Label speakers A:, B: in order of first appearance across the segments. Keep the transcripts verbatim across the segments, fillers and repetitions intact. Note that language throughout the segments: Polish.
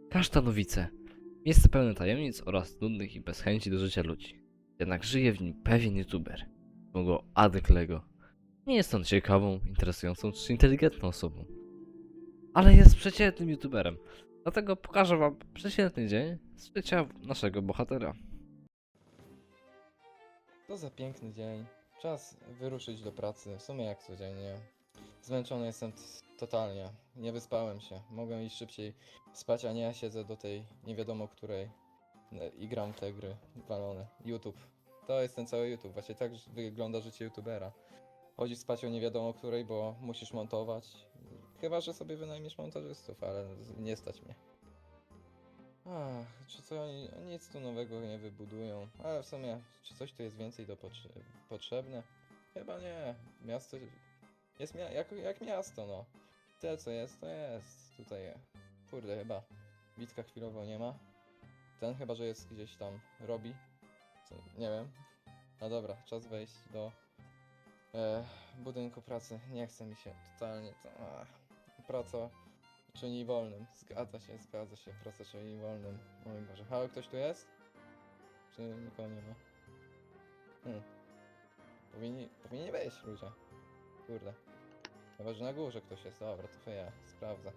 A: Kasztanowice. Miejsce pełne tajemnic oraz nudnych i bez chęci do życia ludzi. Jednak żyje w nim pewien youtuber. Zwał go Adek Lego. Nie jest on ciekawą, interesującą czy inteligentną osobą. Ale jest przeciętnym youtuberem. Dlatego pokażę wam przeciętny dzień z życia naszego bohatera.
B: To za piękny dzień. Czas wyruszyć do pracy, w sumie jak codziennie. Zmęczony jestem t- totalnie. Nie wyspałem się. Mogę iść szybciej spać, a nie ja siedzę do tej nie wiadomo której e, i gram w te gry walone. YouTube. To jest ten cały YouTube. Właśnie tak wygląda życie youtubera. Chodzisz spać o nie wiadomo której, bo musisz montować. Chyba, że sobie wynajmiesz montażystów, ale z- nie stać mnie. Ach, czy co oni nic tu nowego nie wybudują, ale w sumie, czy coś tu jest więcej do potrze potrzebne? Chyba nie. Miasto jest mia jak, jak miasto, no. Tyle co jest, to jest. Tutaj, kurde, chyba Witka chwilowo nie ma. Ten chyba, że jest gdzieś tam robi. Co, nie wiem. No dobra, czas wejść do e, budynku pracy. Nie chce mi się totalnie. To, ach, praca czyni wolnym. Zgadza się, zgadza się. Praca czyni wolnym. O mój Boże. Halo, ktoś tu jest? Czy nikogo nie ma? Hmm. Powinni, powinni wejść ludzie. Kurde. Chyba, że na górze ktoś jest. Dobra, to ja sprawdzę.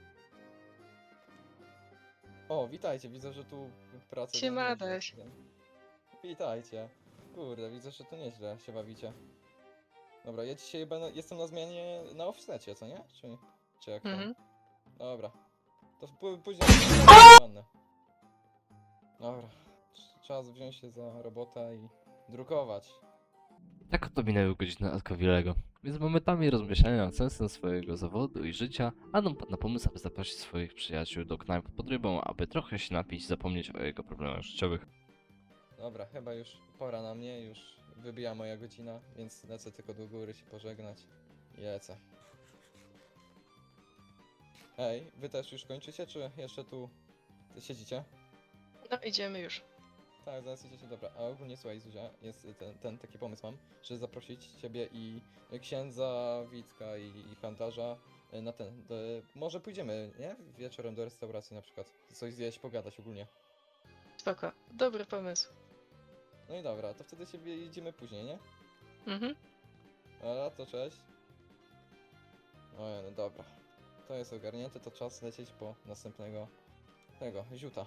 B: O, witajcie. Widzę, że tu praca...
C: Siema,
B: nieźle.
C: Adaś.
B: Witajcie. Kurde, widzę, że tu nieźle się bawicie. Dobra, ja dzisiaj będę, jestem na zmianie na offsecie, co nie? Czy, czy jak tam?
C: Mhm.
B: Dobra. To p- później... Wannę. Dobra. Cz- Czas wziąć się za robotę i drukować.
A: Tak oto minęły godziny Adka Lego. Więc momentami rozmyślania nad sensem swojego zawodu i życia, Adam padł na pomysł, aby zaprosić swoich przyjaciół do knajpy pod rybą, aby trochę się napić i zapomnieć o jego problemach życiowych.
B: Dobra, chyba już pora na mnie, już wybija moja godzina, więc lecę tylko do góry się pożegnać i lecę. Hej, wy też już kończycie, czy jeszcze tu siedzicie?
C: No idziemy już.
B: Tak, zaraz idziecie, dobra. A ogólnie słuchaj, Zuzia, jest ten, ten taki pomysł mam, że zaprosić ciebie i księdza, Witka i, i handlarza na ten. Do, może pójdziemy, nie? Wieczorem do restauracji na przykład. Coś zjeść, pogadać ogólnie.
C: Spoko. Dobry pomysł.
B: No i dobra, to wtedy się widzimy później, nie?
C: Mhm.
B: Dobra, to cześć. O, no dobra. To jest ogarnięte, to czas lecieć po następnego tego, ziuta.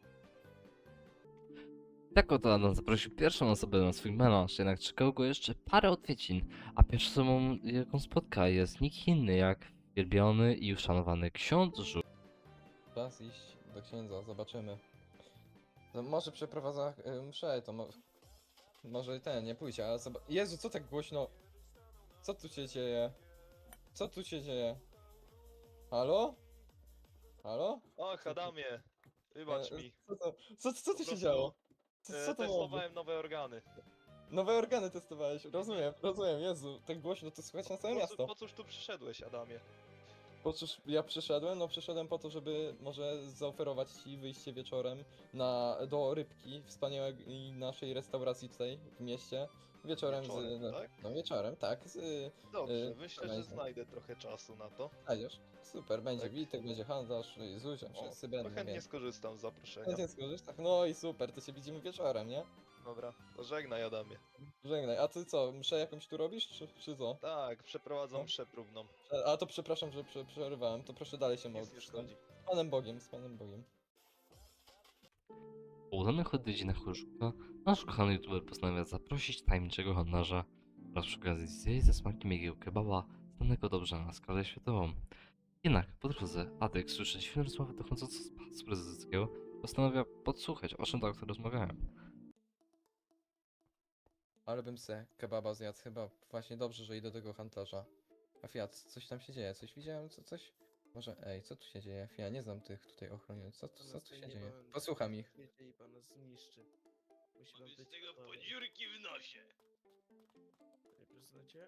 A: Tak oto Adam zaprosił pierwszą osobę na swój melanż, jednak czekało go jeszcze parę odwiedzin, a pierwszą osobą, jaką spotka, jest nikt inny jak wielbiony i uszanowany ksiądz Żu.
B: Czas iść do księdza, zobaczymy. To może przeprowadza y, mszę, to mo może ten, nie pójdzie, ale zob Jezu, co tak głośno? Co tu się dzieje? Co tu się dzieje? Halo? Halo?
D: Och, Adamie, wybacz
B: E,
D: mi.
B: Co to, co, co tu
D: Po
B: się
D: prostu,
B: działo? Co,
D: E,
B: co to było?
D: testowałem nowe organy.
B: Nowe organy testowałeś, rozumiem, rozumiem, Jezu, tak głośno to słychać na całe
D: Po, co-
B: miasto.
D: po cóż tu przyszedłeś, Adamie?
B: Po cóż ja przyszedłem? No przyszedłem po to, żeby może zaoferować ci wyjście wieczorem na, do Rybki, wspaniałej naszej restauracji tutaj w mieście. Wieczorem,
D: Wieczorem,
B: z... No,
D: tak?
B: no wieczorem, tak, z...
D: Dobrze,
B: Y,
D: myślę, że
B: będzie.
D: znajdę trochę czasu na to.
B: Znajdziesz? Super, będzie
D: Tak.
B: Witek, będzie handlarz, i Zuzia,
D: O,
B: wszyscy
D: to
B: będą,
D: chętnie
B: więc...
D: skorzystam z zaproszenia.
B: Chętnie skorzystasz? No i super, to się widzimy wieczorem, nie?
D: Dobra, to żegnaj, Adamie.
B: Żegnaj, a ty co, mszę jakąś tu robisz, czy, czy co?
D: Tak, przeprowadzam
B: No.
D: mszę próbną.
B: A to przepraszam, że prze, przerywałem, to proszę dalej się
D: Nic nie
B: modlić.
D: szkodzi.
B: Z Panem Bogiem, z Panem Bogiem.
A: Po udanych odwiedzinach u Żuka, nasz kochany youtuber postanawia zaprosić tajemniczego handlarza oraz przy okazji zjeść ze smakiem jego kebaba, znanego dobrze na skalę światową. Jednak po drodze Adek słyszy dziwne rozmowy dochodzące z pałacu prezydenckiego, postanawia podsłuchać, o czym tak rozmawiają.
B: Ale bym se kebaba zjadł, chyba właśnie dobrze, że idę do tego handlarza. A Fiat, coś tam się dzieje, coś widziałem, co, coś? Może, ej, co tu się dzieje? Fiat, nie znam tych tutaj ochroniarzy, co, tu- co tu się dzieje? Posłucham ich.
E: Jeżeli pana zniszczy. Musi pan być gotowy.
D: podziurki w nosie.
E: Panie prezydencie?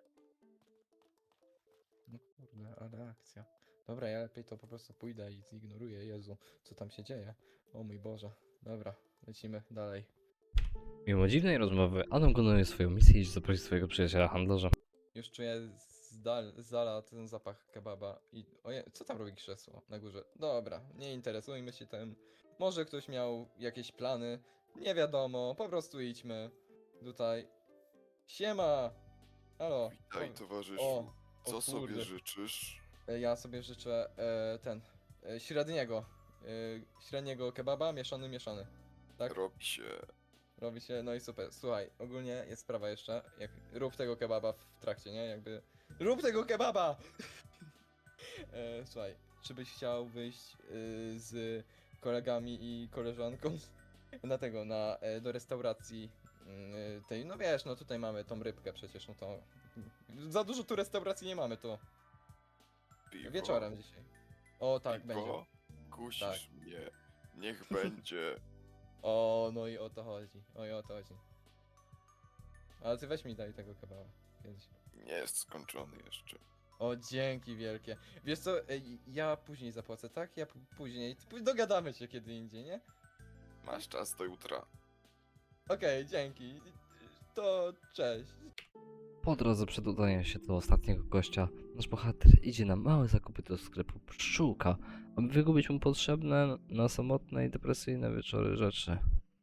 B: No kurde, ale akcja. Dobra, ja lepiej to po prostu pójdę i zignoruję, Jezu, co tam się dzieje? O mój Boże. Dobra, lecimy dalej.
A: Mimo dziwnej rozmowy, Adam kontynuuje swoją misję i zaprosi swojego przyjaciela handlarza.
B: Już czuję zdal, zdala ten zapach kebaba i... Oje, co tam robi krzesło na górze? Dobra, nie interesujmy się tym. Może ktoś miał jakieś plany, nie wiadomo, po prostu idźmy. Tutaj. Siema! Halo.
F: Witaj,
B: O,
F: towarzyszu.
B: o,
F: Co
B: o
F: sobie
B: kurde.
F: życzysz?
B: E, Ja sobie życzę e, ten, e, średniego, e, średniego kebaba, mieszany, mieszany. Tak?
F: Robi się.
B: Robi się, no i super. Słuchaj, ogólnie jest sprawa jeszcze, jak rób tego kebaba w trakcie, nie? Jakby, rób tego kebaba! e, słuchaj, czy byś chciał wyjść y, z kolegami i koleżanką na tego, na, e, do restauracji y, tej, no wiesz, no tutaj mamy tą rybkę przecież, no to za dużo tu restauracji nie mamy, to
F: Piwo?
B: wieczorem dzisiaj. O tak, będzie.
F: Piwo? Kusisz
B: Tak.
F: mnie. Niech będzie.
B: O, no i o to chodzi. O i o to chodzi. Ale ty weź mi daj tego kebaba. Kiedyś.
F: Nie jest skończony jeszcze.
B: O, dzięki wielkie. Wiesz co, ej, ja później zapłacę, tak? Ja p- później. P- Dogadamy się kiedy indziej, nie?
F: Masz czas do jutra.
B: Okej, dzięki. To cześć.
A: Po drodze przed udaniem się do ostatniego gościa, nasz bohater idzie na małe zakupy do sklepu Pszczółka, aby wygubić mu potrzebne na samotne i depresyjne wieczory rzeczy.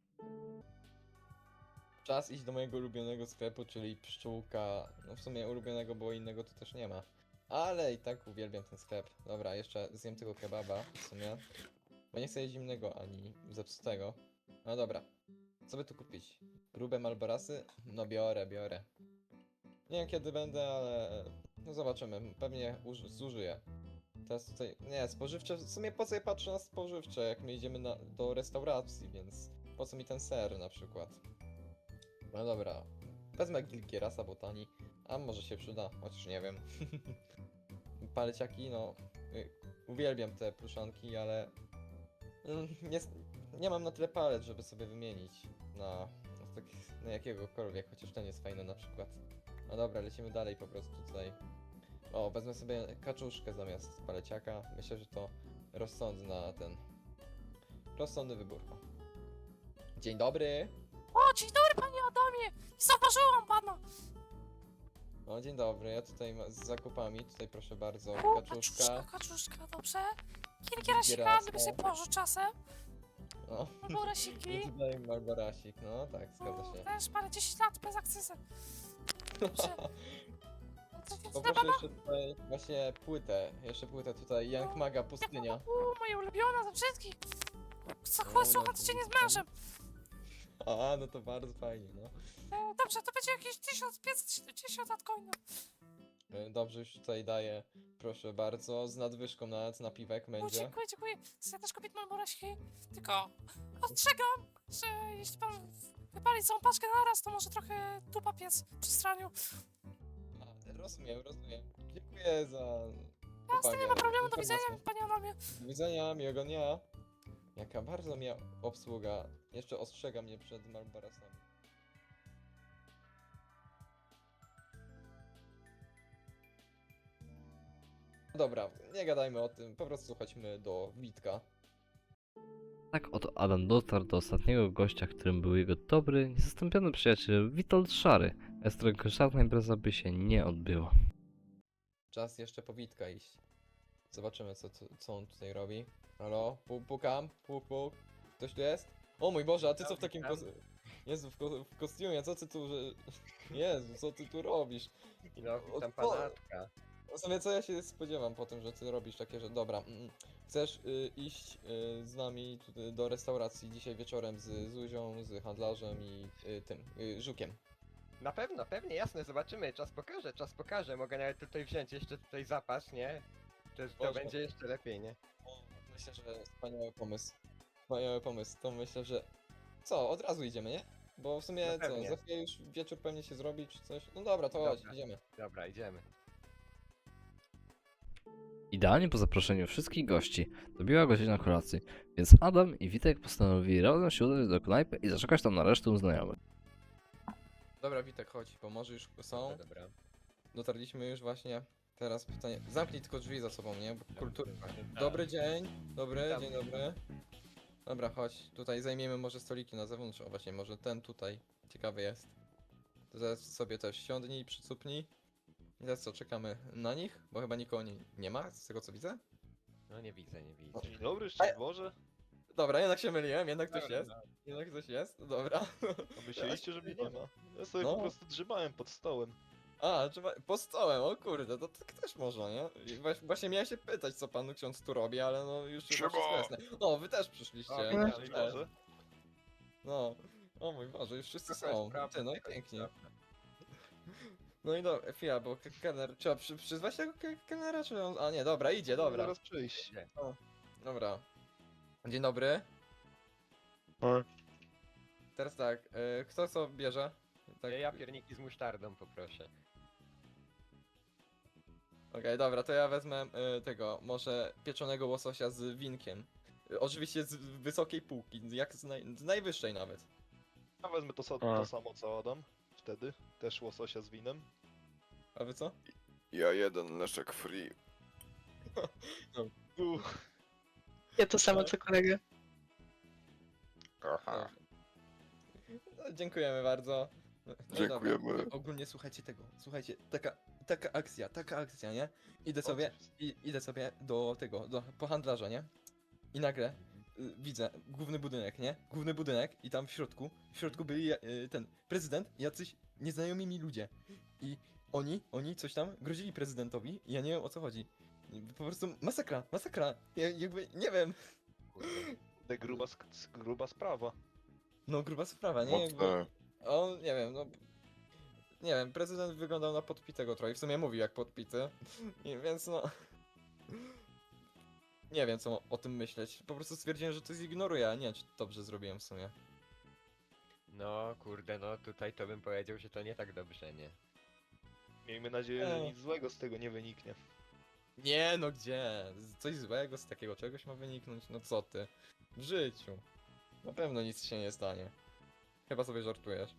B: Czas iść do mojego ulubionego sklepu, czyli pszczółka. No w sumie ulubionego, bo innego tu też nie ma. Ale i tak uwielbiam ten sklep. Dobra, jeszcze zjem tego kebaba w sumie. Bo nie chcę jeść zimnego ani zepsutego. No dobra. Co by tu kupić? Grube malborasy? No biorę, biorę. Nie wiem kiedy będę, ale no zobaczymy. Pewnie uż- zużyję. Teraz tutaj, nie, spożywcze, w sumie po co ja patrzę na spożywcze, jak my idziemy na, do restauracji, więc po co mi ten ser na przykład? No dobra, wezmę Gilgierasa botani, a może się przyda, chociaż nie wiem. Paleciaki, no, y, uwielbiam te pluszanki, ale mm, nie, s- nie mam na tyle palet, żeby sobie wymienić na, na, tak, na jakiegokolwiek, chociaż ten jest fajny na przykład. No dobra, lecimy dalej po prostu tutaj. O, wezmę sobie kaczuszkę zamiast paleciaka. Myślę, że to rozsądna ten... Rozsądny wybór. O. Dzień dobry!
G: O, dzień dobry panie Adamie! Nie zauważyłam pana!
B: O, dzień dobry, ja tutaj ma- z zakupami, tutaj proszę bardzo,
G: O,
B: kaczuszka.
G: kaczuszka, kaczuszka, dobrze? Kilkierasika,
B: Gierasa.
G: gdyby sobie położył czasem.
B: O,
G: Albo rasiki.
B: i tutaj Malborasik, no tak, zgadza
G: O,
B: się.
G: też parę dziesięć lat bez akcyzy. Dobrze. Co to dla
B: Poproszę
G: pana?
B: jeszcze tutaj właśnie płytę, jeszcze płytę tutaj, Young Maga Pustynia.
G: U, moja ulubiona ze wszystkich. Co
B: No,
G: chłopcy,
B: no,
G: słuchać się
B: to-
G: nie z mężem.
B: A, no to bardzo fajnie, no.
G: E, dobrze, to będzie jakieś tysiąc pięćset siedemdziesiąt od coina.
B: E, Dobrze, już tutaj daję, proszę bardzo, z nadwyżką nawet na piwek
G: O,
B: będzie.
G: dziękuję, dziękuję. To ja też kupię malborasiki. Tylko ostrzegam, że jeśli pan wypali całą paczkę naraz, to może trochę dupa piec przy straniu.
B: A, rozumiem, rozumiem. Dziękuję za
G: Jasne, nie ma
B: uwagę,
G: problemu, do
B: informację.
G: widzenia, panie Adamie.
B: Do widzenia, miłego dnia. Jaka bardzo miła obsługa. Jeszcze ostrzega mnie przed Malborasami. Dobra, nie gadajmy o tym, po prostu chodźmy do Witka.
A: Tak oto Adam dotarł do ostatniego gościa, którym był jego dobry, niezastąpiony przyjaciel Witold Szary, bez którego żadna impreza by się nie odbyła.
B: Czas jeszcze po Witka iść. Zobaczymy co, co, co on tutaj robi. Halo? Puk, pukam? Puk, puk. Ktoś tu jest? O mój Boże, a ty co w takim kos... Jezu, w, ko w kostiumie, co ty tu... Że... Jezu, co ty tu robisz?
H: No,
B: O,
H: witam
B: co?
H: panatka.
B: W sumie co ja się spodziewam po tym, że ty robisz takie, że dobra, mm, chcesz y, iść y, z nami tutaj do restauracji dzisiaj wieczorem z Zuzią, z handlarzem i y, tym, y, Żukiem.
H: Na pewno, pewnie, jasne, zobaczymy, czas pokaże, czas pokaże. Mogę nawet tutaj wziąć jeszcze tutaj zapas, nie? To, to
B: Można.
H: będzie jeszcze lepiej, nie?
B: Myślę, że wspaniały pomysł. Wspaniały pomysł, to myślę, że... Co, od razu idziemy, nie? Bo w sumie
H: No
B: co,
H: pewnie.
B: za chwilę już wieczór pewnie się zrobi czy coś. No dobra, to chodź,
H: Dobra.
B: idziemy.
H: Dobra, idziemy.
A: Idealnie po zaproszeniu wszystkich gości dobiła godzina kolacji, więc Adam i Witek postanowili razem się udać do knajpy i zaczekać tam na resztę znajomych.
B: Dobra, Witek, chodź, bo może już są.
H: Dobra, dobra.
B: Dotarliśmy już właśnie. Teraz pytanie. Zamknij tylko drzwi za sobą, nie? Bo kultur...
H: Tak.
B: Dobry dzień. Dobry,
H: Witam.
B: dzień dobry. Dobra, chodź. Tutaj zajmiemy może stoliki na zewnątrz. O właśnie, może ten tutaj. Ciekawy jest. To zaraz sobie też siądnij, przycupnij. I teraz co, czekamy na nich? Bo chyba nikogo nie, nie ma, z tego co widzę.
H: No nie widzę, nie widzę.
D: Dzień dobry, szczęść Boże.
B: Dobra, jednak się myliłem, jednak ktoś
H: Dobra,
B: jest. Jednak ktoś jest, dobra.
D: A myśleliście, że mnie nie ma. Ja sobie
B: No.
D: po prostu drzymałem pod stołem.
B: A, trzeba, pod stołem, o kurde, to tak też można, nie? I waś- Właśnie miałem się pytać, co pan ksiądz tu robi, ale no już chyba
F: Siema!
B: wszystko jasne. O, wy też przyszliście.
H: O,
B: ja
D: Szczęść
B: też.
D: Boże.
B: No, o mój Boże, już wszyscy
H: To jest
B: są.
H: prawda,
B: Ty, no i
H: to jest
B: pięknie.
H: prawda.
B: No i dobra, chwila, bo ke- kelner, trzeba przy, przyzwać tego ke- kelnera, czy on... A nie, dobra, idzie, dobra.
D: Zaraz przyjść.
B: Dobra. Dzień dobry.
D: O.
B: Teraz tak, y, kto co bierze? Tak,
H: Ja pierniki z musztardą poproszę.
B: Okej, dobra, to ja wezmę y, tego, może pieczonego łososia z winkiem. Y, oczywiście z wysokiej półki, jak z, naj, z najwyższej nawet.
D: Ja wezmę to, sa- to samo co Adam. Wtedy. Też łososia z winem.
B: A wy co?
F: Ja jeden leszek free.
D: Uff.
C: Ja to samo co kolega.
F: Aha.
B: No, dziękujemy bardzo. No, no i dobra.
F: Dziękujemy.
B: Ogólnie słuchajcie tego, słuchajcie, taka, taka akcja, taka akcja, nie? Idę sobie, i, idę sobie do tego, do po handlarza, nie? I nagle y, widzę główny budynek, nie? Główny budynek i tam w środku, w środku byli y, ten prezydent i jacyś nieznajomi mi ludzie. I oni, oni coś tam grozili prezydentowi i ja nie wiem o co chodzi. I po prostu masakra, masakra. Ja jakby, nie wiem.
D: Te gruba, sk- gruba sprawa.
B: No gruba sprawa, nie? Jakby,
F: Mocne.
B: on, nie wiem, no... Nie wiem, prezydent wyglądał na podpitego trochę, w sumie mówił jak podpity, i więc no... Nie wiem co o tym myśleć, po prostu stwierdziłem, że to zignoruję, a nie wiem czy dobrze zrobiłem w sumie.
H: No kurde, no tutaj to bym powiedział, że to nie tak dobrze, nie?
D: Miejmy nadzieję, że
B: O.
D: nic złego z tego nie wyniknie.
B: Nie no gdzie? Z- Coś złego z takiego czegoś ma wyniknąć? No co ty? W życiu. Na pewno nic się nie stanie. Chyba sobie żartujesz.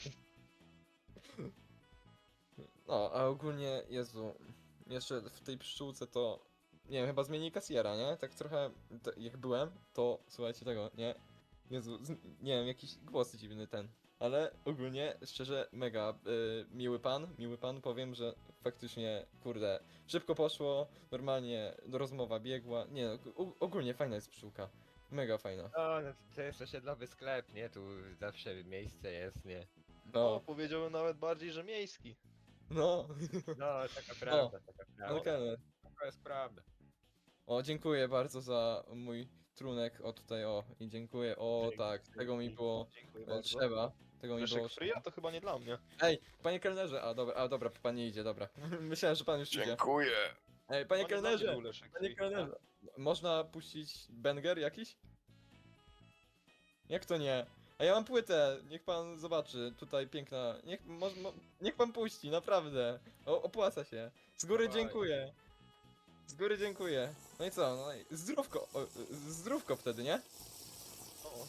B: No, a ogólnie, Jezu, jeszcze w tej pszczółce to, nie wiem, chyba zmieni kasjera, nie? Tak trochę, to, jak byłem, to, słuchajcie tego, nie? Jezu, z, nie wiem, jakiś głos dziwny ten. Ale ogólnie, szczerze, mega y, miły pan, miły pan, powiem, że faktycznie, kurde, szybko poszło, normalnie rozmowa biegła, nie no, u, ogólnie fajna jest pszczółka. Mega fajna.
H: No, no to jest osiedlowy sklep, nie? Tu zawsze miejsce jest, nie?
D: No,
B: No,
D: powiedziałbym nawet bardziej, że miejski.
B: no,
H: No, taka prawda, taka
B: no
H: prawda.
B: kelner.
H: To jest prawda.
B: O, dziękuję bardzo za mój trunek, o tutaj, o, i dziękuję, o
D: Dzięki,
B: tak, tego mi
D: dzięki.
B: było
D: Dziękuję
B: e,
D: bardzo.
B: trzeba, tego mi było
D: Leszek free,
B: trzeba.
D: a to chyba nie dla mnie.
B: Ej, panie kelnerze, a dobra, a dobra, pan nie idzie, dobra. Myślałem, że pan już idzie.
F: Dziękuję.
B: Ej, panie
D: Chyba nie dla mnie
B: kelnerze,
D: był Leszek
B: panie
D: free.
B: kelnerze, można puścić banger jakiś? Jak to nie? A ja mam płytę, niech pan zobaczy, tutaj piękna, niech, mo, mo, niech pan puści, naprawdę, o, opłaca się. Z góry
H: Dawaj.
B: dziękuję. Z góry dziękuję. No i co, no i zdrówko, o, zdrówko wtedy, nie?
D: O,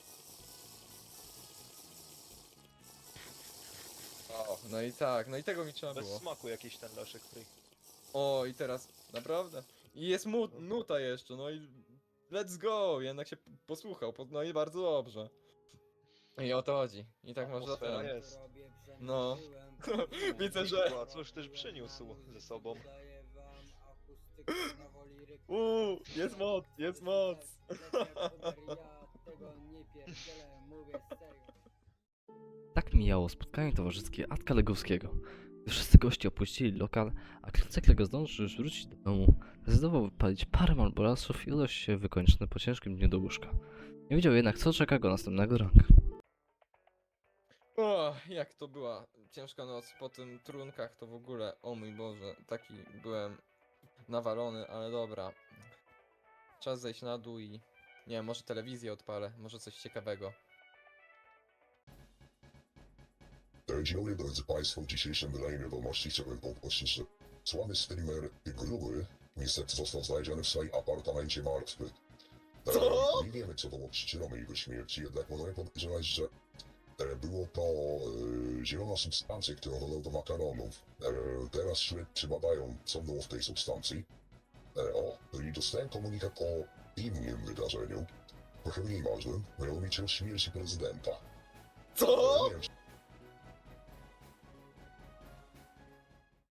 B: O, no i tak, no i tego mi trzeba
D: bez
B: było.
D: smaku jakiś ten Leszek free.
B: O, i teraz, naprawdę. I jest mu, nuta jeszcze, no i let's go, jednak się p- posłuchał, po- no i bardzo dobrze. I o to chodzi. I tak można
D: Atmosfera
B: ten.
D: jest.
B: No. Widzę, że...
D: A cóż też przyniósł ze sobą.
B: Uuu, jest moc, jest moc.
A: Tak mijało spotkanie towarzyskie Atka Legowskiego. Gdy wszyscy goście opuścili lokal, a Klęcek Lego zdążył już wrócić do domu, zdecydował wypalić parę malborasów i udać się wykończony po ciężkim dniu do łóżka. Nie wiedział jednak, co czeka go następnego ranka.
B: O, jak to była ciężka noc po tym trunkach, to w ogóle, o mój Boże, taki byłem nawalony, ale dobra. Czas zejść na dół i... Nie wiem, może telewizję odpalę, może coś ciekawego.
I: Dzień dobry drodzy Państwo, w dzisiejszym wydaniu wiadomości chciałbym podkreślić, że sławny streamer Gruby niestety został znaleziony w swoim apartamencie martwy. E,
B: Co?
I: Nie wiemy co było przyczyną jego śmierci, jednak możemy podejrzewać, że e, było to e, zielona substancja, którą dodał do makaronów. E, teraz śledczy badają, co było w tej substancji. E, o, i dostałem komunikat o innym wydarzeniu, trochę mniej ważnym, mianowicie o śmierci prezydenta.
B: Co?
I: E, nie wiem,